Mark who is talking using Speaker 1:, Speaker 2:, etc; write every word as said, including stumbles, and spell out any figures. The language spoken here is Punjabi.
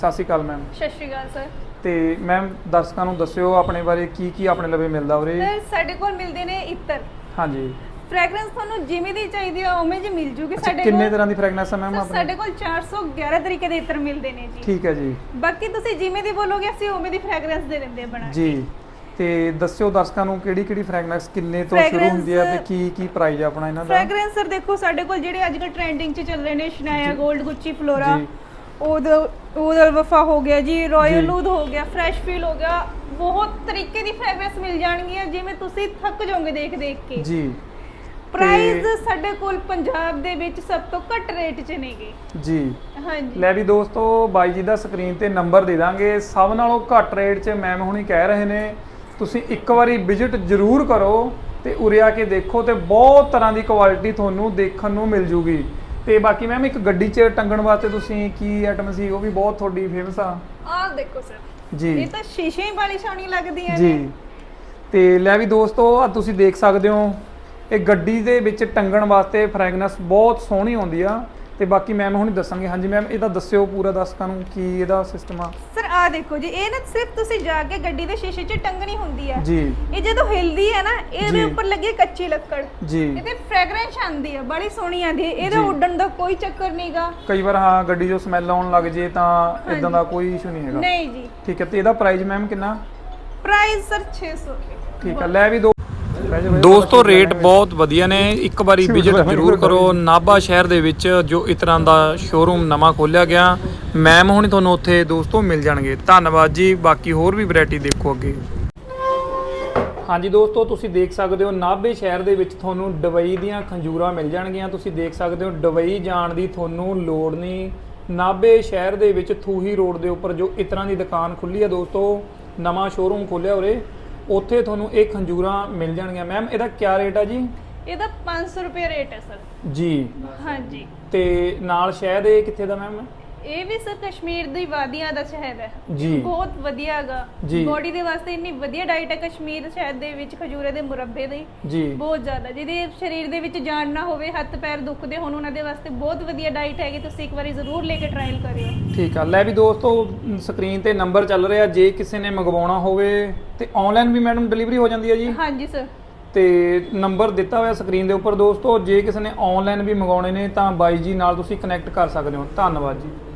Speaker 1: ਸਤਿ ਸ਼੍ਰੀ ਅਕਾਲ ਮੈਮ।
Speaker 2: ਸਤਿ ਸ਼੍ਰੀ ਅਕਾਲ ਸਰ।
Speaker 1: ਤੇ ਮੈਮ ਦਰਸ਼ਕਾਂ ਨੂੰ ਦੱਸਿਓ ਆਪਣੇ ਬਾਰੇ ਕੀ ਕੀ ਆਪਣੇ ਲਵੇ ਮਿਲਦਾ ਉਰੇ।
Speaker 2: ਸਰ ਸਾਡੇ ਕੋਲ ਮਿਲਦੇ ਨੇ ਇਤਰ।
Speaker 1: ਹਾਂਜੀ।
Speaker 2: ਫ੍ਰੈਗਰੈਂਸ ਤੁਹਾਨੂੰ ਜਿਵੇਂ ਦੀ ਚਾਹੀਦੀ ਆ ਉਵੇਂ ਜੀ ਮਿਲ ਜੂਗੀ ਸਾਡੇ ਕੋਲ।
Speaker 1: ਕਿੰਨੇ ਤਰ੍ਹਾਂ ਦੀ ਫ੍ਰੈਗਰੈਂਸ ਹੈ ਮੈਮ ਆਪਣੇ?
Speaker 2: ਸਾਡੇ ਕੋਲ ਚਾਰ ਸੌ ਗਿਆਰਾਂ ਤਰੀਕੇ ਦੇ ਇਤਰ ਮਿਲਦੇ ਨੇ ਜੀ।
Speaker 1: ਠੀਕ ਹੈ ਜੀ।
Speaker 2: ਬਾਕੀ ਤੁਸੀਂ ਜਿਵੇਂ ਦੀ ਬੋਲੋਗੇ ਅਸੀਂ ਉਵੇਂ ਦੀ ਫ੍ਰੈਗਰੈਂਸ ਦੇ ਦਿੰਦੇ ਆ ਬਣਾ ਕੇ।
Speaker 1: ਜੀ। ਤੇ ਦੱਸਿਓ ਦਰਸ਼ਕਾਂ ਨੂੰ ਕਿਹੜੀ ਕਿਹੜੀ ਫ੍ਰੈਗਰੈਂਸ ਕਿੰਨੇ ਤੋਂ ਸ਼ੁਰੂ ਹੁੰਦੀ ਹੈ ਤੇ ਕੀ ਕੀ ਪ੍ਰਾਈਸ ਹੈ ਆਪਣਾ ਇਹਨਾਂ ਦਾ?
Speaker 2: ਫ੍ਰੈਗਰੈਂਸ ਸਰ ਦੇਖੋ ਸਾਡੇ ਕੋਲ ਜਿਹੜੇ ਅੱਜ ਕੱਲ ਟ੍ਰੈਂਡਿੰਗ 'ਚ ਚੱਲ ਰਹੇ ਨੇ ਸ਼ਨਾਇਆ ਗੋਲਡ, ਗੁੱਚੀ, ਫਲੋਰਾ, ਉਹਦ ਉਹਦਲ ਵਫਾ ਹੋ ਗਿਆ ਜੀ, ਰਾਇਲ ਲੂਦ ਹੋ ਗਿਆ, ਫਰੈਸ਼ ਫੀਲ ਹੋ ਗਿਆ, ਬਹੁਤ ਤਰੀਕੇ ਦੀ ਫ੍ਰੈਗਰੈਂਸ ਮਿਲ ਜਾਣਗੀਆਂ ਜਿਵੇਂ ਤੁਸੀਂ ਥੱਕ ਜਾਓਗੇ ਦੇਖ ਦੇਖ ਕੇ ਜੀ। ਪ੍ਰਾਈਸ ਸਾਡੇ ਕੋਲ ਪੰਜਾਬ ਦੇ ਵਿੱਚ ਸਭ ਤੋਂ ਘੱਟ ਰੇਟ 'ਚ ਨੇਗੇ ਜੀ। ਹਾਂਜੀ ਲੈ ਵੀ ਦੋਸਤੋ
Speaker 1: ਬਾਈ ਜੀ ਦਾ ਸਕਰੀਨ ਤੇ ਨੰਬਰ ਦੇ ਦਾਂਗੇ, ਸਭ ਨਾਲੋਂ ਘੱਟ ਰੇਟ 'ਚ ਮੈਮ ਹੁਣੀ ਕਹਿ ਰਹੇ ਨੇ ਤੁਸੀਂ ਇੱਕ ਵਾਰੀ ਵਿਜ਼ਿਟ ਜ਼ਰੂਰ ਕਰੋ ਤੇ ਉਰੇ ਆ ਕੇ ਦੇਖੋ ਤੇ ਬਹੁਤ ਤਰ੍ਹਾਂ ਦੀ ਕੁਆਲਿਟੀ ਤੁਹਾਨੂੰ ਦੇਖਣ ਨੂੰ ਮਿਲ ਜੂਗੀ। ਤੇ ਬਾਕੀ ਮੈਮ ਇੱਕ ਗੱਡੀ 'ਚ ਟੰਗਣ ਵਾਸਤੇ ਤੁਸੀਂ ਕੀ ਆਈਟਮ ਸੀ ਉਹ ਵੀ ਬਹੁਤ ਤੁਹਾਡੀ ਫੇਮਸ ਆ।
Speaker 2: ਆਹ ਦੇਖੋ ਸਰ ਜੀ, ਇਹ ਤਾਂ ਸ਼ੀਸ਼ੇ ਹੀ ਵਾਲੀ ਸੋਹਣੀ ਲੱਗਦੀਆਂ ਨੇ ਜੀ।
Speaker 1: ਤੇ ਲੈ ਵੀ ਦੋਸਤੋ ਆ ਤੁਸੀਂ ਦੇਖ ਸਕਦੇ ਹੋ ਇਹ ਗੱਡੀ ਦੇ ਵਿੱਚ ਟੰਗਣ ਵਾਸਤੇ ਫ੍ਰੈਗਰੈਂਸ ਬਹੁਤ ਸੋਹਣੀ ਆਉਂਦੀ ਆ। ਤੇ ਬਾਕੀ ਮੈਮ ਹੁਣ ਦੱਸਾਂਗੇ। ਹਾਂਜੀ ਮੈਮ ਇਹਦਾ ਦੱਸਿਓ ਪੂਰਾ ਦਰਸ਼ਕਾਂ ਨੂੰ ਕੀ ਇਹਦਾ ਸਿਸਟਮ ਆ।
Speaker 2: ਸਰ ਆ ਦੇਖੋ ਜੀ, ਇਹ ਨਾ ਸਿਰਫ ਤੁਸੀਂ ਜਾ ਕੇ ਗੱਡੀ ਦੇ ਸ਼ੀਸ਼ੇ 'ਚ ਟੰਗਣੀ ਹੁੰਦੀ ਆ
Speaker 1: ਜੀ।
Speaker 2: ਇਹ ਜਦੋਂ ਹਿਲਦੀ ਹੈ ਨਾ ਇਹਦੇ ਉੱਪਰ ਲੱਗੀ ਕੱਚੀ ਲੱਕੜ
Speaker 1: ਜੀ,
Speaker 2: ਇਹਦੇ ਫ੍ਰੈਗਰੈਂਸ ਆਉਂਦੀ ਆ, ਬੜੀ ਸੋਹਣੀ ਆਉਂਦੀ ਹੈ। ਇਹਦੇ ਉੱਡਣ ਦਾ ਕੋਈ ਚੱਕਰ ਨਹੀਂਗਾ।
Speaker 1: ਕਈ ਵਾਰ ਹਾਂ ਗੱਡੀ 'ਚੋਂ ਸਮੈਲ ਆਉਣ ਲੱਗ ਜੇ ਤਾਂ ਇਦਾਂ ਦਾ ਕੋਈ ਇਸ਼ੂ ਨਹੀਂ ਹੈਗਾ।
Speaker 2: ਨਹੀਂ ਜੀ। ਠੀਕ
Speaker 1: ਹੈ। ਤੇ ਇਹਦਾ ਪ੍ਰਾਈਸ ਮੈਮ ਕਿੰਨਾ?
Speaker 2: ਪ੍ਰਾਈਸ ਸਰ ਛੇ ਸੌ ਰੁਪਏ।
Speaker 1: ਠੀਕ ਹੈ। ਲੈ ਵੀ ਦੋ ਦੋਸਤੋ ਰੇਟ ਬਹੁਤ ਵਧੀਆ ਨੇ, ਇੱਕ ਵਾਰੀ ਵਿਜ਼ਿਟ ਜ਼ਰੂਰ ਕਰੋ। ਨਾਭਾ ਸ਼ਹਿਰ ਦੇ ਵਿੱਚ ਜੋ ਇਸ ਤਰ੍ਹਾਂ ਦਾ ਸ਼ੋਰੂਮ ਨਵਾਂ ਖੋਲ੍ਹਿਆ ਗਿਆ, ਮੈਮ ਹੁਣੀ ਤੁਹਾਨੂੰ ਉੱਥੇ ਦੋਸਤੋ ਮਿਲ ਜਾਣਗੇ। ਧੰਨਵਾਦ ਜੀ। ਬਾਕੀ ਹੋਰ ਵੀ ਵੈਰਾਈਟੀ ਦੇਖੋ ਅੱਗੇ। ਹਾਂਜੀ ਦੋਸਤੋ ਤੁਸੀਂ ਦੇਖ ਸਕਦੇ ਹੋ ਨਾਭੇ ਸ਼ਹਿਰ ਦੇ ਵਿੱਚ ਤੁਹਾਨੂੰ ਦੁਬਈ ਦੀਆਂ ਖੰਜੂਰਾਂ ਮਿਲ ਜਾਣਗੀਆਂ। ਤੁਸੀਂ ਦੇਖ ਸਕਦੇ ਹੋ ਦੁਬਈ ਜਾਣ ਦੀ ਤੁਹਾਨੂੰ ਲੋੜ ਨਹੀਂ। ਨਾਭੇ ਸ਼ਹਿਰ ਦੇ ਵਿੱਚ ਥੂਹੀ ਰੋਡ ਦੇ ਉੱਪਰ ਜੋ ਇਸ ਤਰ੍ਹਾਂ ਦੀ ਦੁਕਾਨ ਖੁੱਲੀ ਹੈ ਦੋਸਤੋ, ਨਵਾਂ ਸ਼ੋਰੂਮ ਖੋਲ੍ਹਿਆ ਉਰੇ, ਉੱਥੇ ਤੁਹਾਨੂੰ ਇਹ ਖੰਜੂਰਾਂ ਮਿਲ ਜਾਣਗੀਆਂ। ਮੈਮ ਇਹਦਾ ਕੀ ਰੇਟ ਆ ਜੀ? ਇਹਦਾ
Speaker 2: ਪੰਜ ਸੌ ਰੁਪਏ ਰੇਟ ਹੈ ਸਰ
Speaker 1: ਜੀ।
Speaker 2: ਹਾਂਜੀ।
Speaker 1: ਤੇ ਨਾਲ ਸ਼ਹਿਦ ਇਹ ਕਿੱਥੇ ਦਾ ਮੈਮ?
Speaker 2: ਇਹ ਵੀ ਸਰ ਕਸ਼ਮੀਰ ਦੀ ਵਾਦੀਆਂ ਦਾ ਸ਼ਹਿਦ ਹੈ
Speaker 1: ਜੀ,
Speaker 2: ਬਹੁਤ ਵਧੀਆ ਹੈਗਾ ਬੋਡੀ ਦੇ ਵਾਸਤੇ। ਇੰਨੀ ਵਧੀਆ ਡਾਈਟ ਹੈ ਕਸ਼ਮੀਰ ਸ਼ਹਿਦ ਦੇ ਵਿੱਚ, ਖਜੂਰੇ ਦੇ ਮੁਰੱਬੇ ਦੀ ਜੀ, ਬਹੁਤ ਜ਼ਿਆਦਾ। ਜਿਹਦੇ ਸਰੀਰ ਦੇ ਵਿੱਚ ਜਾਨ ਨਾ ਹੋਵੇ, ਹੱਥ ਪੈਰ ਦੁਖਦੇ ਹੋਣ, ਉਹਨਾਂ ਦੇ ਵਾਸਤੇ ਬਹੁਤ ਵਧੀਆ ਡਾਈਟ ਹੈਗੀ। ਤੁਸੀਂ ਇੱਕ ਵਾਰੀ ਜ਼ਰੂਰ ਲੈ ਕੇ ਟਰਾਇਲ ਕਰਿਓ। ਠੀਕ ਆ। ਲੈ ਵੀ ਦੋਸਤੋ ਸਕਰੀਨ ਤੇ ਨੰਬਰ ਚੱਲ ਰਿਹਾ, ਜੇ ਕਿਸੇ ਨੇ ਮੰਗਵਾਉਣਾ ਹੋਵੇ ਤੇ ਆਨਲਾਈਨ ਵੀ ਮੈਡਮ ਡਿਲੀਵਰੀ ਹੋ ਜਾਂਦੀ ਹੈ ਜੀ? ਹਾਂਜੀ ਸਰ। ਤੇ ਨੰਬਰ ਦਿੱਤਾ ਹੋਇਆ ਸਕਰੀਨ ਦੇ ਉੱਪਰ ਦੋਸਤੋ, ਜੇ ਕਿਸੇ ਨੇ ਆਨਲਾਈਨ ਵੀ ਮੰਗਾਉਣੇ ਨੇ ਤਾਂ ਬਾਈ ਜੀ ਨਾਲ ਤੁਸੀਂ ਕਨੈਕਟ ਕਰ ਸਕਦੇ ਹੋ। ਧੰਨਵਾਦ ਜੀ।